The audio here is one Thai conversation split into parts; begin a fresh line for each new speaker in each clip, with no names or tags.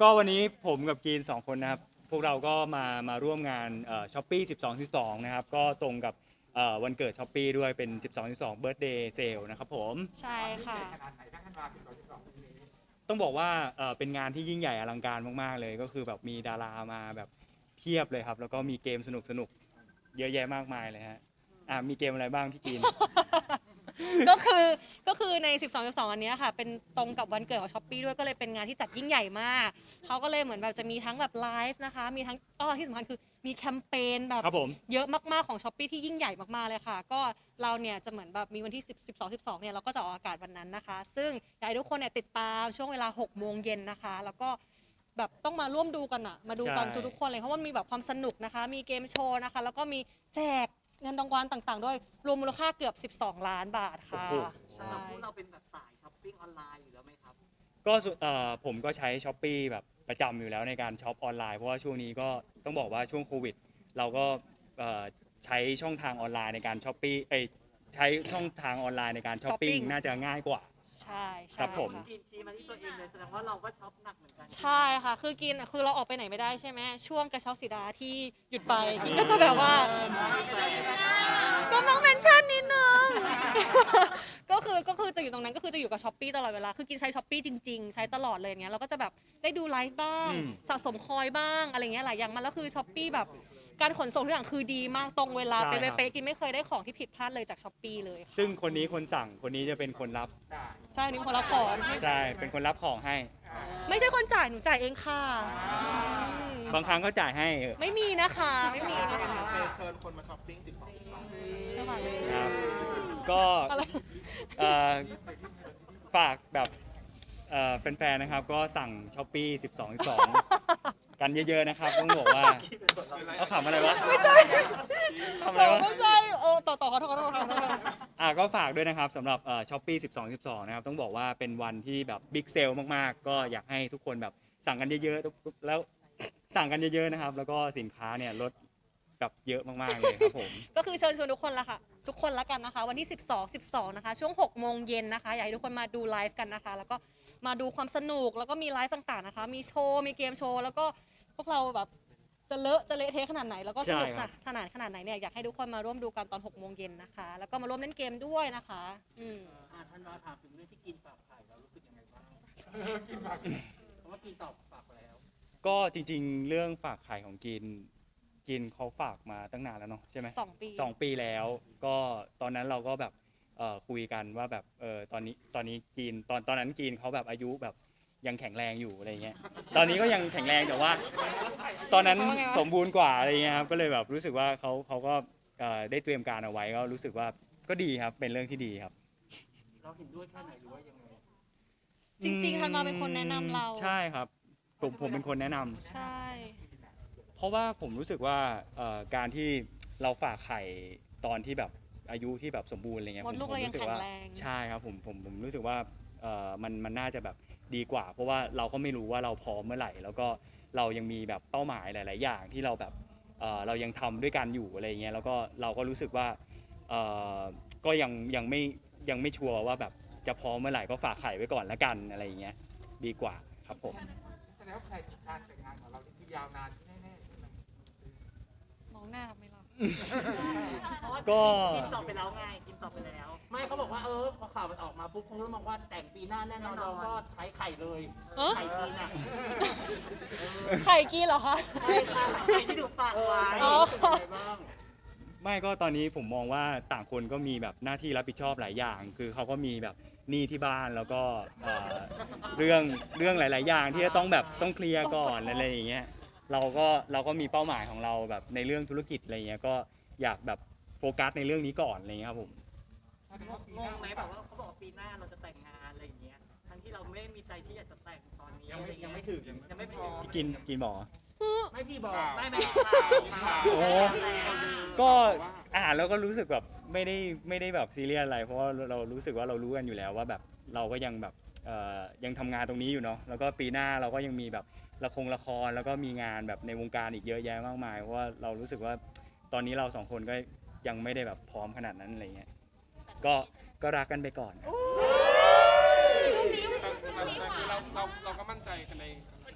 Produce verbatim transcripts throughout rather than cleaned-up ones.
ก็วันนี้ผมกับกรีนสองคนนะครับพวกเราก็มามาร่วมงานช้อปปี้สิบสองสิบสองนะครับก็ตรงกับเอ่อวันเกิดช้อปปี้ด้วยเป็นสิบสอง สิบสอง Birthday Sale นะครับผม
ใช่ค่ะ
ขนาดไหนถ้าท่านมาสิบสองสิบสองปีนี้
ต้องบอกว่าเอ่อเป็นงานที่ยิ่งใหญ่อลังการมากๆเลยก็คือแบบมีดารามาแบบเพียบเลยครับแล้วก็มีเกมสนุกๆเยอะแยะมากมายเลยฮะอ่ะมีเกมอะไรบ้างพี่กรีน
ก็คือก็คือใน สิบสอง สิบสอง อันเนี้ยค่ะเป็นตรงกับวันเกิดของ Shopee ด้วยก็เลยเป็นงานที่จัดยิ่งใหญ่มากเขาก็เลยเหมือนแบบจะมีทั้งแบบไลฟ์นะคะมีทั้งอ้อที่สำคัญคือมีแคมเปญแบบ
ครับผม
เยอะมากๆของ Shopee ที่ยิ่งใหญ่มากๆเลยค่ะก็เราเนี่ยจะเหมือนแบบมีวันที่10 12 12เนี่ยเราก็จะออกอากาศวันนั้นนะคะซึ่งอยากให้ทุกคนเนี่ยติดตามช่วงเวลาหกโมงเย็นนะคะแล้วก็แบบต้องมาร่วมดูกันอะมาดูกันทุกๆคนเลยเพราะว่ามีแบบความสนุกนะคะมีเกมโชว์นะคะแล้วก็มีแจกเงินรางวัลต่างๆด้วยรวมมูลค่าเกือบสิบสองล้านบาทค่ะ
สำหรับพวกเราเป็นแบบสายช้อปปิ้งออนไลน์อยู่แล้วไหมครับ
ก็ส่วนเอ่อผมก็ใช้ Shopee แบบประจำอยู่แล้วในการช็อปออนไลน์เพราะว่าช่วงนี้ก็ต้องบอกว่าช่วงโควิดเราก็เอ่อใช้ช่องทางออนไลน์ในการช้อปปี้เอ้ยใช้ช่องทางออนไลน์ในการช้อปปิ้ง
Shopping
น่าจะง่ายกว่า
ใช่ใช่
ครับผม
ะ
กินชีมาที่ตัวเองเลยแสดงว่าเราก็ช็อปหนักเหมือนกัน
ใช่ค่ะ คือกินคือเราออกไปไหนไม่ได้ใช่ไหมช่วงกระเช้าสีดาที่หยุดไปกินก็จะแบบว่าก็ต้องเมนชั่นนิดนึง ก็คือก็คือจะอยู่ตรงนั้นก็คือจะอยู่กับช้อปปี้ตลอดเวลาคือกินใช้ช้อปปี้จริงๆใช้ตลอดเลยอย่างเงี้ยเราก็จะแบบได้ดูไลฟ์บ้าง
อืม
สะสมคอยบ้างอะไรเงี้ยหลายอย่างมันแล้วคือช้อปปี้แบบการขนส่งทุกอย่างคือดีมากตรงเวลา
ใช่
เป๊ะ
ครับ
เป๊ะกินไม่เคยได้ของที่ผิดพลาดเลยจากช้อปปี้เลยค่ะ
ซึ่งคนนี้คนสั่งคนนี้จะเป็นคนรับ
ใช่นี่คนละของ
ใช่เป็นคนรับของให้
ไม่ใช่คนจ่ายหนูจ่ายเองค่ะอืม
บางครั้งก็จ่ายให้เออ
ไม่มีนะคะไม่มีนะคะ
เชิญคนมาช้อปปิ้งสิบสองสิบสอง
ไม่ฝากเลย
ครับก็
อะไร
เอ่อฝากแบบเอ่อแฟนๆนะครับก็สั่งช้อปปี้สิบสอง สิบสองกันเยอะๆนะครับต้องบอกว่าเอาขำอะไรวะทำอะไรวะ
ไม่ใช่โอ้ต่อต่อขอโทษขอโทษขอโทษ
อ่ะก็ฝากด้วยนะครับสำหรับช้อปปี้สิบสอง สิบสองนะครับต้องบอกว่าเป็นวันที่แบบบิ๊กเซลมากๆ ก็อยากให้ทุกคนแบบสั่งกันเยอะๆแล้วสั่งกันเยอะๆนะครับ แล้วก็สินค้าเนี่ยลดแบบเยอะมากๆเลยครับผม
ก็คือเชิญชวนทุกคนละค่ะ ทุกคนละกันนะคะ วันที่สิบสอง สิบสองนะคะช่วงหกโมงเย็นนะคะอยากให้ทุกคนมาดูไลฟ์กันนะคะ แล้วก็มาดูความสนุกแล้วก็มีไลฟ์ต่างๆนะคะ มีโชว์มีเกมโชว์แล้วก็พวกเราแบบจะเลอะจะเละเทะขนาดไหนแล้วก็สนุก
ใช่ครับ
สนานขนาดไหนเนี่ยอยากให้ทุกคนมาร่วมดูกันตอนหกโมงเย็นนะคะแล้วก็มาร่วมเล่นเกมด้วยนะคะอืม
อ่าท่านว่าถามถึงเรื่องที่กินฝากไข่เรารู้สึกยังไงบ้าง
กินผัก
เพราะว่ากินตอบฝากไปแล้ว
ก็จริงๆ เรื่องฝากไข่ของกินกินเขาฝากมาตั้งนานแล้วเนาะใช่ไหม
สองปี
สองปีแล้ว ก็ตอนนั้นเราก็แบบเอ่อคุยกันว่าแบบเออตอนนี้ตอนนี้กินตอนตอนนั้นกินเขาแบบอายุแบบยังแข็งแรงอยู่อะไรเงี้ยตอนนี้ก็ยังแข็งแรงแต่ว่า ตอนนั้นสมบูรณ์กว่าอะไรเงี้ยครับก็เลยแบบรู้สึกว่าเขาเขาก็เอ่อได้เตรียมการเอาไว้ก็รู้สึกว่าก็ดีครับเป็นเรื่องที่ดีครับ
เราเห็นด้วยแค่ไหนหรือว่ายังไง
จริงๆธันวาเป็นคนแนะนำเรา
ใช่ครับผมผมเป็นคนแนะนำ
ใช่
เพราะว่าผมรู้สึกว่าเอ่อการที่เราฝากไข่ตอนที่แบบอายุที่แบบสมบูรณ์อะไรเงี้ย
มดลูก
ผม
เรายัง
รู้สึกว่า
แข็งแรง
ใช่ครับผมผมผมรู้สึกว่าเอ่อมันมันน่าจะแบบดีกว่า เพราะว่าเราก็ไม่รู้ว่าเราพร้อมเมื่อไหร่ แล้วก็เรายังมีแบบเป้าหมายหลาย ๆ อย่างที่เราแบบเอ่อเรายังทำด้วยกันอยู่อะไรเงี้ยแล้วก็เราก็รู้สึกว่าเอ่อก็ยังยังไม่ยังไม่ชัวร์ว่าแบบจะพร้อมเมื่อไหร่ก็ฝากไข่ไว้ก่อนละกันอะไรอย่างเงี้ยดีกว่าครับผม
แสดงว่าใครการแต่งงานของเราที่ยาวนานแน่ๆใช่ไหม
มองหน้าไม่รับ
เพราะว่า
ก็
กินตอบไปแล้วไงกินตอบไปแล้ว ไม่เขาบอกว่าเออพอข่าวมันออกมาปุ๊บเขาเริ่มมองว่าแต่งปีหน้าแน่นอนเราก็ใช้ไข่เลย
เอ้อ
ไข่กินอ่ะ
ไข่กี้เหรอคะ
ใช่ค่ะไข่ที่ถูกฝากไว้
อ๋อ
เป็นยังไงบ้าง
ไม่ก็ตอนนี้ผมมองว่าต่างคนก็มีแบบหน้าที่รับผิดชอบหลายอย่าง คือเขาก็มีแบบหนี้ที่บ้านแล้วก็เอ่อเรื่องเรื่องหลาย ๆ อย่างที่จะต้องแบบต้องเคลียร์ก่อนอะไรอย่างเงี้ยเราก็เราก็มีเป้าหมายของเราแบบในเรื่องธุรกิจอะไรเงี้ยก็อยากแบบโฟกัสในเรื่องนี้ก่อนอะไรเงี้ยครับผม
งงไหมแบบว่าเขาบอกว่าปีหน้าเราจะแต่งงานอะไรอย่างเงี้ยทั้งที่เราไม่ได้มีใจที่อยากจะแต่งตอนนี้
ยังไม่
อะไรเงี้
ยังไม่ถึง
ยังไม่พร้อม
กินกินหมอ
ไม่พี่บอก
ข่าว
ไม่ไม่
ข่าว
โอ้ ก็อ่านแล้วก็รู้สึกแบบไม่ได้ไม่ได้แบบซีเรียสอะไร เพราะว่าเรารู้สึกว่าเรารู้กันอยู่แล้วว่าแบบเราก็ยังแบบเอ่อยังทำงานตรงนี้อยู่เนาะแล้วก็ปีหน้าเราก็ยังมีแบบละครละครแล้วก็มีงานแบบในวงการอีกเยอะแยะมากมายเพราะว่าเรารู้สึกว่าตอนนี้เราสองคนก็ยังไม่ได้แบบพร้อมขนาดนั้นอะไรเงี้ยก็ก็รักกันไปก่อน
แต่แต่คือเราเราเราก็มั่นใจกันใน
ก็คือ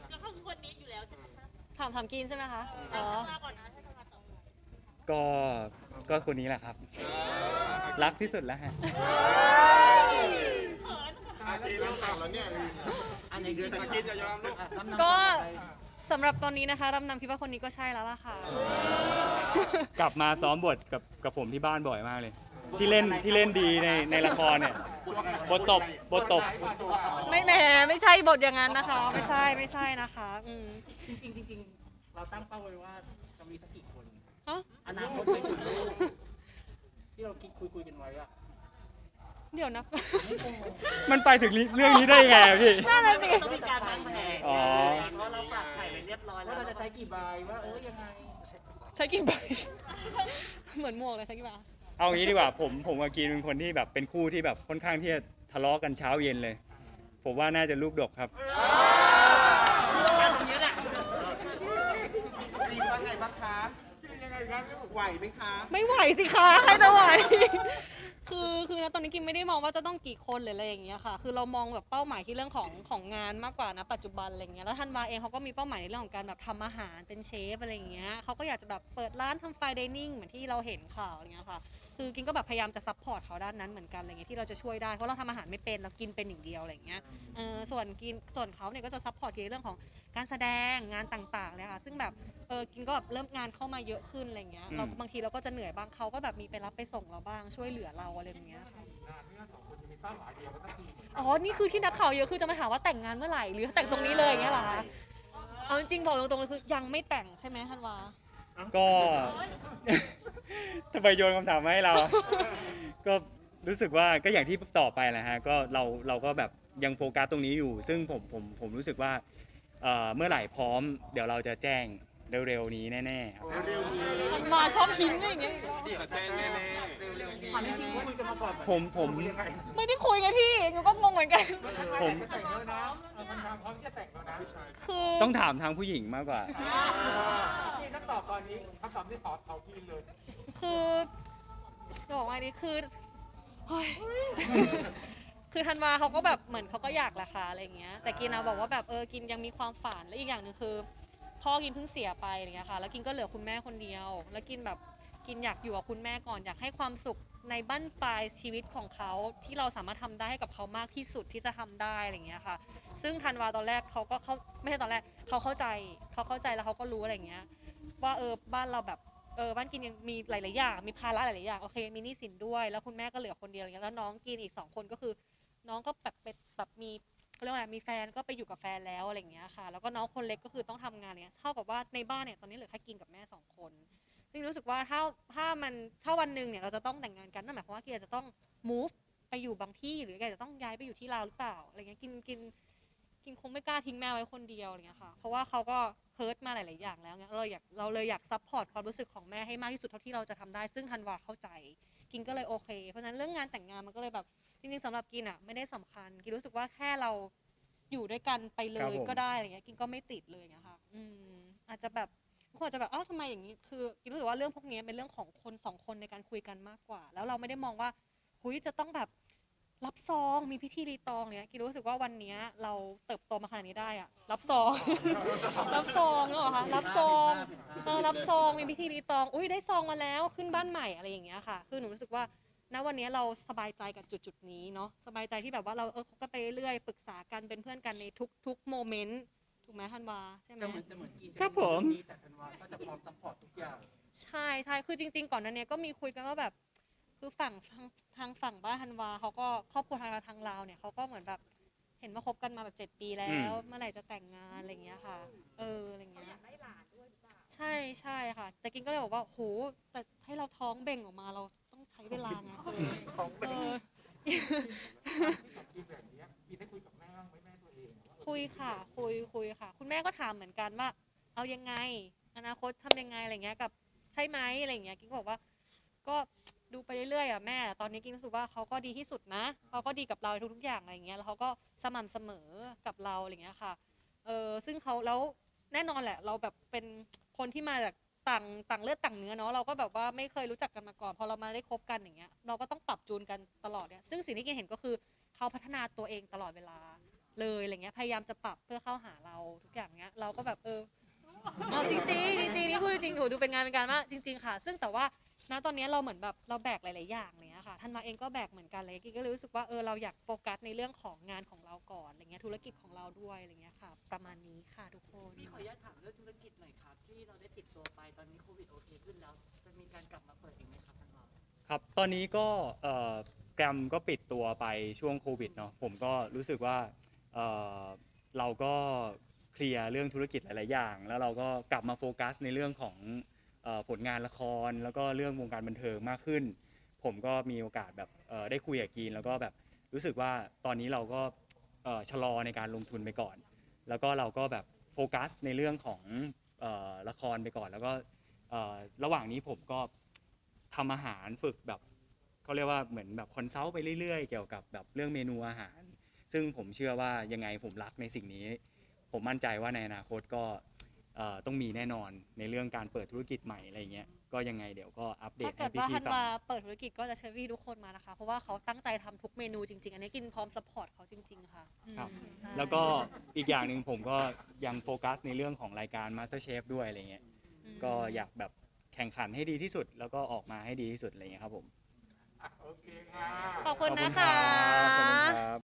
คนนี้อยู่แล้วใช่ไหมคะ
ถามถามกินใช่ไหมคะอ๋อ
มาก่อนนะให้มาต่อ
ก็ก็คนนี้แหละครับ รักที่สุดแล้วฮะ
อาทีเริ่มต่างแล้วเนี่ย
อันนี้กิน
กินจะยอมลูก
ก็สำหรับตอนนี้นะคะรำนำคิดว่าคนนี้ก็ใช่แล้วล่ะค่ะ
กลับมาซ้อมบทกับกับผมที่บ้านบ่อยมากเลย ที่เล่นที่เล่นดีในในละครเนี่ยบทตบบทตบ
ไม่แหมไม่ใช่บทอย่างนั้นนะคะ ไม่ใช่ไม่ใช่นะคะอืม
จริงๆจริงๆเราตั้งเป้าไว้ว่าจะมีสักกี่คน
ฮะ
อนาคตไปถึงลูกที่เราคิดคุยคุยๆกันไว้อะ
เดี๋ยวนะ
มันไปถึงเรื่องนี้ได้ยังไงอะพี่
นั่นน่ะสิ
ต้องมีการวางแผน
อ๋อ
เพราะเราฝากไข่ไปเรียบร้อยแล้วว่าเราจะใช้กี่ใบว่าเออยังไง
ใช้กี่ใบ เหมือนหมวกเลยใช้กี่ใบ
เอางี้ดีกว่าผมผมกับกีนเป็นคนที่แบบเป็นคู่ที่แบบค่อนข้างที่จะทะเลาะกันเช้าเย็นเลย ผมว่าน่าจะลูกดกครับ
การตรงนี้แหละ
รีบว่าไงบ้างคะ
ยังไงครับ
ไหวไหมคะ
ไม่ไหวสิคะใครจะไหว คือคือนะตอนนี้กิมไม่ได้มองว่าจะต้องกี่คนหรืออะไรอย่างเงี้ยค่ะ คือเรามองแบบเป้าหมายที่เรื่องของของงานมากกว่านะปัจจุบันอะไรเงี้ยแล้วธันวาเองเขาก็มีเป้าหมายในเรื่องของการแบบทำอาหารเป็นเชฟอะไรอย่างเงี้ยเขาก็อยากจะแบบเปิดร้านทำไฟน์ไดนิ่งเหมือนที่เราเห็นข่าวอะไรเงี้ยค่ะ คือกินก็แบบพยายามจะซัพพอร์ตเขาด้านนั้นเหมือนกันอะไรเงี้ยที่เราจะช่วยได้เพราะเราทำอาหารไม่เป็นเรากินเป็นอย่างเดียวอะไรเงี้ยเออส่วนกินส่วนเขาเนี่ยก็จะซัพพอร์ตในเรื่องของการแสดงงานต่างๆเลยค่ะซึ่งแบบเออกินก็แบบเริ่มงานเข้ามาเยอะขึ้นอะไรเงี้ยเรา
อืม
บางทีเราก็จะเหนื่อยบ้างเขาก็แบบมีไปรับไปส่งเราบ้างช่วยเหลือเราอะไรอย่างเงี้ยค่ะ
นานที่เราสองคนจะมีเป้าหมายเดียวกันสักทีเหมือนกัน
อ๋อ นี่คือที่นักข่าวเยอะคือจะมาถามว่าแต่งงานเมื่อไหร่หรือแต่งตรงนี้เลยอย่างเงี้ยเหรอคะ เอาจริงๆบอกตรงๆเลยคือยังไม่แต่งใช่ไหมธันวา
ก็ ทำไมโยนคำถามมาให้เราอะ ก็รู้สึกว่าก็อย่างที่ตอบไปแหละฮะก็เราเราก็แบบยังโฟกัสตรงนี้อยู่ ซึ่งผมผมผมรู้สึกว่าเอ่อเมื่อไหร่พร้อม เดี๋ยวเราจะแจ้งเร็วๆนี้แน่ๆครับ
เร็วนี้
ธันวาชอบหินอย่างเงี้ย
เดี๋ยวแจ้งแน่
เร็วๆนี้
ความจริงคุยกันมาก่อน
ผมผม
ๆยังไง
ไม่ได้คุยกันพี่หนูก็งงเหมือนกัน
ผม
จะแต่งแล้วนะมันทำพร้อมที่จะแต่งแล้วนะ
คือ
ต้องถามทางผู้หญิงมากกว่า
พี่ต้องตอบตอนนี้คำตอบที่ตอบเอาพี่เลย
คือจะบอกว่าอันนี้คือเฮ้ย คือธันวาเขาก็แบบเหมือนเขาก็อยากแหละค่ะอะไรอย่างเงี้ย แต่กินนะบอกว่าแบบเออกินยังมีความฝันและอีกอย่างหนึ่งคือพ่อกินเพิ่งเสียไปอะไรเงี้ยค่ะ แล้วกินก็เหลือคุณแม่คนเดียว แล้วกินแบบกินอยากอยู่กับคุณแม่ก่อนอยากให้ความสุขในบั้นปลายชีวิตของเขาที่เราสามารถทำได้ให้กับเขามากที่สุดที่จะทำได้อะไรเงี้ยค่ะ ซึ่งธันวาตอนแรกเขาก็เขาไม่ใช่ตอนแรกเขาเข้าใจเขาเข้าใจแล้วเขาก็รู้อะไรเงี้ย ว่าเออบ้านเราแบบเออบ้านกินยังมีหลายๆอย่างมีภาระหลายๆอย่างโอเคมีหนี้สินด้วยแล้วคุณแม่ก็เหลือคนเดียวอย่างเงี้ยแล้วน้องกินอีกสองคนก็คือ น้องก็แบบเป็นแบบมีเขาเรียกว่าอะไรมีแฟนก็ไปอยู่กับแฟนแล้วอะไรอย่างเงี้ยค่ะ แล้วก็น้องคนเล็กก็คือต้องทำงานเนี้ยเท่ากับว่าในบ้านเนี่ยตอนนี้เหลือแค่กินกับแม่สองคนซึ่งรู้สึกว่าถ้าถ้ามันถ้าวันหนึ่งเนี่ยเราจะต้องแต่งงานกันนั่นหมายความว่ากินอาจจะต้อง move ไปอยู่บางที่หรืออาจจะต้องย้ายไปอยู่ที่ลาวหรือเปล่าอะไรเงี้ยกินกิน กินคงไม่กล้าทิ้งแม่ไว้คนเดียวอะไรเงี้ยค่ะ เพราะว่าเขาก็เฮิร์ตมาหลาย ๆ อย่างแล้วเงี้ยเราอยากเราเลยอยากซัพพอร์ตความรู้สึกของแม่ให้มากที่สุดเท่าที่เราจะทำได้ ซึ่งธันวาเข้าใจ กินก็เลยโอเค เพราะฉะนั้นเรื่องงานแต่งงานมันก็เลยแบบจริง ๆสำหรับกินอ่ะไม่ได้สำคัญ กินรู้สึกว่าแค่เราอยู่ด้วยกันไปเล
ครับ
ย
ผม
ก็ได้อะไรเงี้ย กินก็ไม่ติดเลยอย่างเงี้ยค่ะ อืมอาจจะแบบบางคนอาจจะแบบอ้าวทำไมอย่างนี้ คือกินรู้สึกว่าเรื่องพวกนี้เป็นเรื่องของคนสองคนในการคุยกันมากกว่า แล้วเราไม่ได้มองว่าหุยจะต้องแบบ รับซองมีพิธีรีตองเนี้ยกินรู้สึกว่าวันเนี้ยเราเติบโตมาขนาดนี้ได้อะรับซอง รับซองเนกอะคะรับซองเออรับซองมีพิธีรีตองอุ้ยได้ซองมาแล้วขึ้นบ้านใหม่อะไรอย่างเงี้ยค่ะคือหนูรู้สึกว่าณวันนี้เราสบายใจกับจุดจุดๆนี้เนาะสบายใจที่แบบว่าเราเออคบกันไปเรื่อยปรึกษากันเป็นเพื่อนกันในทุกทุกโมเมนต์ถูกไหมธันวาใช่ไหม
แต่เหมือนแต่เหมือนกิน
ครับผม
แต่ธันวาก็จะพร้อมซัพพอร์ตทุกอย่าง
ใช่ใช่คือจริง ๆ ก่อนหนั้นเนี้ยก็มีคุยกันว่าแบบ คือฝั่งทางทางฝั่งบ้านธันวาเขาก็ครอบครัวทางเราทางลาวเนี่ยเขาก็เหมือนแบบเห็นว่าคบกันมาแบบเจ็ดปีแล้ว เมื่อไหร่จะแต่งงานอะไรอย่างเงี้ยค่ะ เอออะไรอย่างเงี้ยใช่ใช่ค่ะ แต่กินก็เลยบอกว่าโหแต่ให้เราท้องเบ่งออกมาเราต้องใช้เวลาไงเออ
ของเป็น
เออ
กินแบบนี้กินได้คุยกับแม่บ้างไหมแม่ตัวเองว่าเออ
คุยค่ะ คุยคุยค่ะ คุณแม่ก็ถามเหมือนกันว่า เอายังไง อนาคตทำยังไงอะไรเงี้ยกับใช่ไหมอะไรเงี้ยกินก็บอกว่า ก็ดูไปเรื่อยๆอ่ะแม่ตอนนี้กินรู้สึกว่าเขาก็ดีที่สุดนะเขาก็ดีกับเราทุกๆอย่างอะไรเงี้ยแล้วเขาก็สม่ำเสมอกับเราอะไรเงี้ยค่ะเออซึ่งเขาแล้วแน่นอนแหละ เราแบบเป็นคนที่มาจากต่างต่างเลือดต่างเนื้อเนาะเราก็แบบว่าไม่เคยรู้จักกันมาก่อนพอเรามาได้คบกันอย่างเงี้ยเราก็ต้องปรับจูนกันตลอดเนี่ยซึ่งสิ่งที่กินเห็นก็คือเขาพัฒนาตัวเองตลอดเวลาเลยอะไรเงี้ยพยายามจะปรับเพื่อเข้าหาเราทุกอย่างเงี้ยเราก็แบบเออเอาจริงๆจริงๆนี่พูดจริงๆโหดูเป็นงานเป็นการมากจริง ๆค่ะ ซึ่งแต่ว่าณตอนนี้เราเหมือนแบบเราแบกหลายๆอย่างอะไรเงี้ยค่ะท่านมาเองก็แบกเหมือนกันเลยกิ๊กก็เลยรู้สึกว่าเออเราอยากโฟกัสในเรื่องของงานของเราก่อนอะไรเงี้ยธุรกิจของเราด้วยอะไรเงี้ยค่ะประมาณนี้ค่ะทุกคน
พี่ขออนุญาตถามเรื่องธุรกิจหน่อยครับที่เราได้ปิดตัวไปตอนนี้โควิดโอเคขึ้นแล้วจะมีการกลับมาเปิดอีกไหมครับท่านรอง
ครับ ตอนนี้ก็เอ่อแกรมก็ปิดตัวไปช่วงโควิดเนาะ ผมก็รู้สึกว่าเอ่อเราก็เคลียร์เรื่องธุรกิจหลาย ๆ อย่าง แล้วเราก็กลับมาโฟกัสในเรื่องของเอ่อผลงานละคร แล้วก็เรื่องวงการบันเทิงมากขึ้น ผมก็มีโอกาสแบบเอ่อได้คุยกับกรีนแล้วก็แบบรู้สึกว่าตอนนี้เราก็เอ่อชะลอในการลงทุนไปก่อน แล้วก็เราก็แบบโฟกัสในเรื่องของเอ่อละครไปก่อน แล้วก็เอ่อระหว่างนี้ผมก็ทำอาหารฝึกแบบเขาเรียกว่าเหมือนแบบคอนซัลท์ไปเรื่อยๆเกี่ยวกับแบบเรื่องเมนูอาหาร ซึ่งผมเชื่อว่ายังไงผมรักในสิ่งนี้ ผมมั่นใจว่าในอนาคตก็เอ่อต้องมีแน่นอนในเรื่องการเปิดธุรกิจใหม่อะไรเงี้ยก็ยังไงเดี๋ยวก็อัปเด
ถ้า
ต
เกิ
ให้
ดว่า
พี่
ธัน
ๆฟั
วาง เปิดธุรกิจก็จะเชิญพี่ทุกคนมานะคะ เพราะว่าเขาตั้งใจทำทุกเมนูจริงๆ อันนี้กินพร้อมสปอร์ตเขาจริงๆ ค่ะ
ครับ
อืมใช่
แล้วก็อีกอย่างหนึ่งผมก็ยังโฟกัสในเรื่องของรายการ MasterChef ด้วยอะไรเงี้ย
อืม
ก็อยากแบบแข่งขันให้ดีที่สุด แล้วก็ออกมาให้ดีที่สุดอะไรเงี้ยครับผม
อ่ะโอเคค่ะ
ขอบคุณ
ขอบ
นะ
ครั
คะ
บขอบคุณครับ